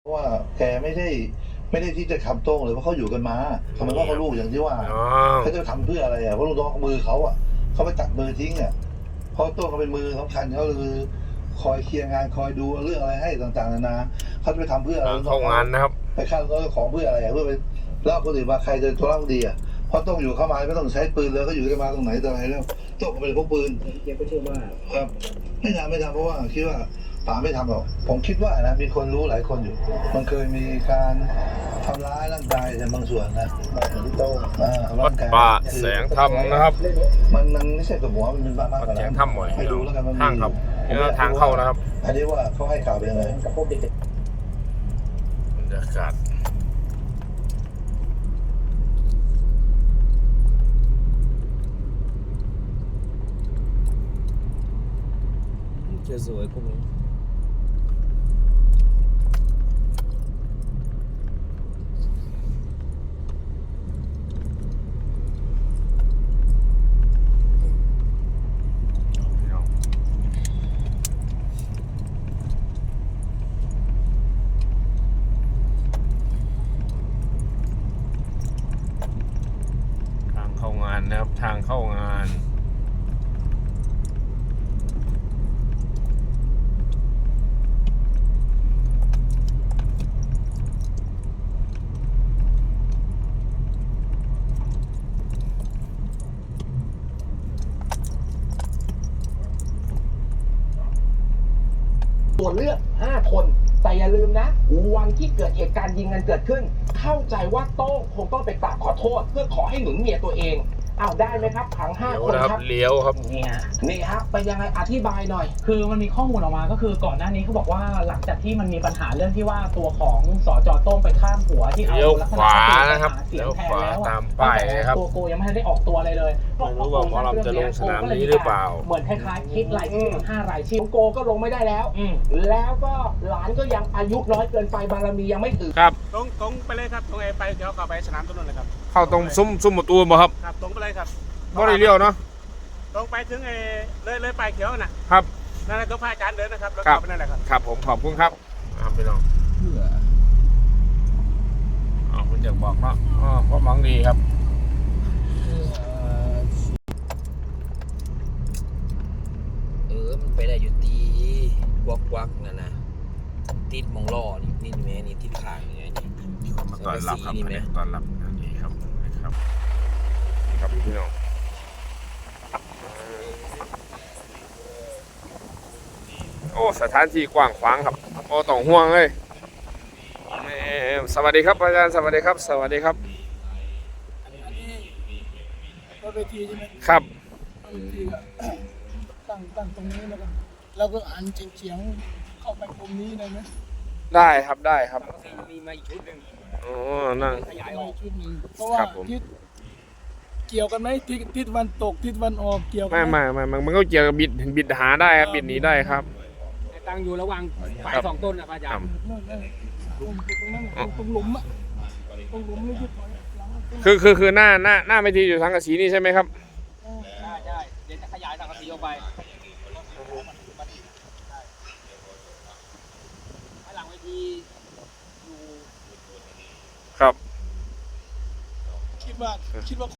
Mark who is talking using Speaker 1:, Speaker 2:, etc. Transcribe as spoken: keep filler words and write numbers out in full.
Speaker 1: เพราะว่าแกไม่ได้ไม่ได้ที่จะทำโต้งเลยเพราะเขาอยู่กันมาทำไมว่าเขาลูกอย่างที่ว่าเขาจะทำเพื่ออะไรอ่ะเพราะลูกน้องมือเขาอ่ะเขาไปตัดมือทิ้งอ่ะเพราะโต้งเขาเป็นมือสำคัญเขาคือคอยเคลียร์งานคอยดูเรื่องอะไรให้ต่างๆนานาเขาจะไปทำเพื่ออะไร
Speaker 2: เข้างานนะครับ
Speaker 1: ไปฆ่าลูกน้องของเพื่ออะไรเพื่อไปแล้วคนอื่นมาใครจะตัวร่างดีอ่ะเพราะต้องอยู่เข้ามาไม่ต้องใช้ปืนเลยก็อยู่กันมาตรงไหนตรงไหนแล้วต้องเป็นพวกปืน
Speaker 3: เจ๊ก็เชื่อว่า
Speaker 1: ครับไม่ทำไม่ทำเพราะว่าคิดว่าป๋าไม่ทำหรอกผมคิดว่านะมีคนรู้หลายคนอยู่มันเคยมีการทำร้ายร่างกายในบางส่วนนะที่โต้
Speaker 2: วัดป่าแสงธรรมนะครับ
Speaker 1: มันมันไม่ใช่กับหัวมันเป็นบ้าบ้า
Speaker 2: แสงธรรมหน่อย
Speaker 1: ให้ดูแล้วกันมัน
Speaker 2: ทางครับทางเข้านะครับ
Speaker 1: อันนี้ว่าเขาให้ข่าวเป็นยังไง
Speaker 3: กับพวกเด็ก
Speaker 2: บรรยากาศ
Speaker 3: จะสวยพวกนี้
Speaker 2: ทางเข้างานนะครับทางเข้างาน
Speaker 3: ตัวเลือกห้าคนแต่อย่าลืมนะวันที่เกิดเหตุการณ์ยิงกันเกิดขึ้นเข้าใจว่าโต้งคงต้องไปกราบขอโทษเพื่อขอให้หนุนเมียตัวเองอ้าวได้ไหมครับทั้งห้าคนครับ
Speaker 2: เลี้ยวครับ
Speaker 3: นี่ฮะนี่ครับเป็นยังไงอธิบายหน่อย
Speaker 4: คือมันมีข้อมูลออกมาก็คือก่อนหน้านี้เขาบอกว่าหลังจากที่มันมีปัญหาเรื่องที่ว่าตัวของสจโต้งไปข้ามหัวที่เอาลักษณะ
Speaker 2: นะครับ
Speaker 4: เสียงแทนแล้ว
Speaker 2: ตามป้ายนะครับ
Speaker 4: ตัวโกยังไม่ได้ออกตัวอะไรเลย
Speaker 2: ไม่รู้ว่าหมอลำจะลงสนามนี้หรือเปล่า
Speaker 4: เหมือนคล้ายๆคิดรายชื่อห้ารายชื่อ
Speaker 3: โกก็ลงไม่ได้แล้วแล้วก็หลานก็ยังอายุน้อยเกินไปบารมียังไม่ถึง
Speaker 2: ครับ
Speaker 5: ตรงตรงไปเลยครับตรงไอ้ไปเดี๋ยวเข้าไปสนามตรงนั้นเลยครับ
Speaker 2: เข้าตรงซุ้มซุ้มประตูบ่ครับ
Speaker 5: ครับตรงไปเลยครับ
Speaker 2: บ่ได้เลี้ยวเนาะ
Speaker 5: ตรงไปถึงไอ้เลยเลยไปเขียวน่ะครับนั่นแหละตรงพระอาจารย์เดินนะครับแล้วเข้าไปนั่นแหละครับ
Speaker 2: ครับผมขอบคุณครับครับพี่น้องเพื่ออ๋อคุณอยากบอกเนาะอ๋อเพราะมังดีครับ
Speaker 3: เออมันไปได้อยู่ตีวักวักนั่นนะติดมองล่อนี่นี่แม่นี่ติดขางนี่ไงนี่
Speaker 2: มาตอนรับครับตอนรับนี่ครับครับนี่ครับพี่น้องโอ้สถานที่กว้างขวางครับโอ้ต้องห่วงเลยสวัสดีครับอาจารย์สวัสดีครับสวัสดีครับ
Speaker 6: ก็เวทีใช่ไหม
Speaker 2: ครับ
Speaker 6: เวทีตั้งตั้งตรงนี้แล้วก็แล้วก็หันเฉียงเข้าไปตรงนี้ได้ไหม
Speaker 2: ได้ครับได้ครับ
Speaker 3: มีมาอีกชุดหนึ่ง
Speaker 2: อ๋อนั่ง
Speaker 6: ขยายออกชุดหนึ่งเพราะว่าทิศเกี่ยวกันไหมทิศทิศวันตกทิศวันออกเกี่ยวกัน
Speaker 2: ไม่ไม่ไม่มันก็เกี่ยวกับบิดบิดหาได้ครับบิดหนีได้ครับ
Speaker 3: ตั้งอยู่ระหว่างฝ่ายสองต้นนะอาจารย์
Speaker 6: ตรงนั้นตรงหลุมอะตรงหลุมนี่
Speaker 2: คือคือคือคือหน้าหน้าหน้าไม่ทีอยู่ทางกระสีนี่ใช่ไหมครับ
Speaker 3: ใช่ใช่เดี๋ยวจะขยายทางกระสีออกไปหลังเวทีอยู่
Speaker 2: ครับ
Speaker 6: คิดว่าคิดว่า